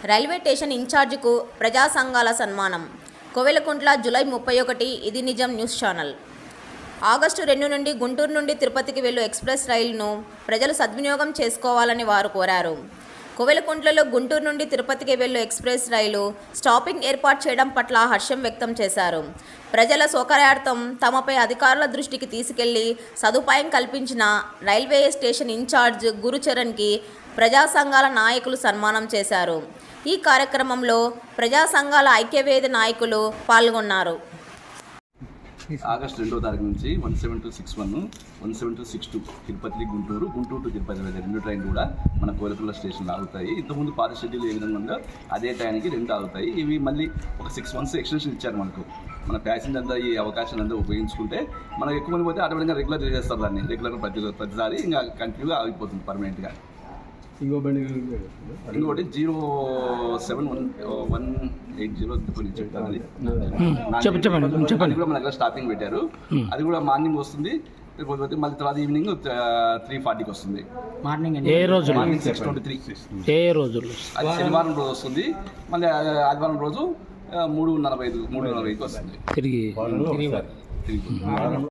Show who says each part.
Speaker 1: Railway station ఇన్ఛార్జికు ప్రజా సంఘాల సన్మానం. కోవెలకుంట్ల జూలై 31. ఇది నిజం న్యూస్ ఛానల్. ఆగస్టు 2 నుండి గుంటూరు నుండి తిరుపతికి వెళ్ళు ఎక్స్ప్రెస్ రైలును ప్రజలు సద్వినియోగం చేసుకోవాలని వారు కోరారు. కోవెలకుంట్లలో గుంటూరు నుండి తిరుపతికి వెళ్ళు ఎక్స్ప్రెస్ రైలు స్టాపింగ్ ఏర్పాటు చేయడం పట్ల హర్షం వ్యక్తం చేశారు. ప్రజల సౌకర్యార్థం తమపై అధికారుల దృష్టికి తీసుకెళ్లి సదుపాయం కల్పించిన రైల్వే స్టేషన్ ఇన్ఛార్జ్ గురుచరణ్కి ప్రజా సంఘాల నాయకులు సన్మానం చేశారు. ఈ కార్యక్రమంలో ప్రజా సంఘాల ఐక్యవేది నాయకులు పాల్గొన్నారు.
Speaker 2: ఆగస్టు 2వ తారీఖు నుంచి 17261, 17262 తిరుపతి గుంటూరు టు తిరుపతి రెండు ట్రైన్లు కూడా మన కోవెలకుంట్ల స్టేషన్లో ఆగుతాయి. ఇంతకుముందు పాత షెడ్యూల్ ఏ విధంగా ఉందో అదే టైంకి రెండు ఆగుతాయి. ఇవి మళ్ళీ ఒక 6 months ఎక్స్టెన్షన్ ఇచ్చారు మనకు. మన ప్యాసింజర్ అంతా ఈ అవకాశాన్ని అంతా ఉపయోగించుకుంటే మనం ఎక్కువ మంది పోతే ఆటోమేటిక్గా రెగ్యులర్ చేస్తారు. దాన్ని రెగ్యులర్ ప్రతిసారి ఇంకా కంటిన్యూగా ఆగిపోతుంది పర్మనెంట్గా. ఇంకోటి 071880 చెప్పండి కూడా మన దగ్గర స్టాపింగ్ పెట్టారు. అది కూడా మార్నింగ్ వస్తుంది, మళ్ళీ తర్వాత ఈవినింగ్ 3:40కి వస్తుంది. మార్నింగ్ ఏ రోజు? మార్నింగ్ 6:23. ఏ రోజు? అది శనివారం రోజు వస్తుంది. మళ్ళీ ఆదివారం రోజు 3:45కి వస్తుంది. తిరిగి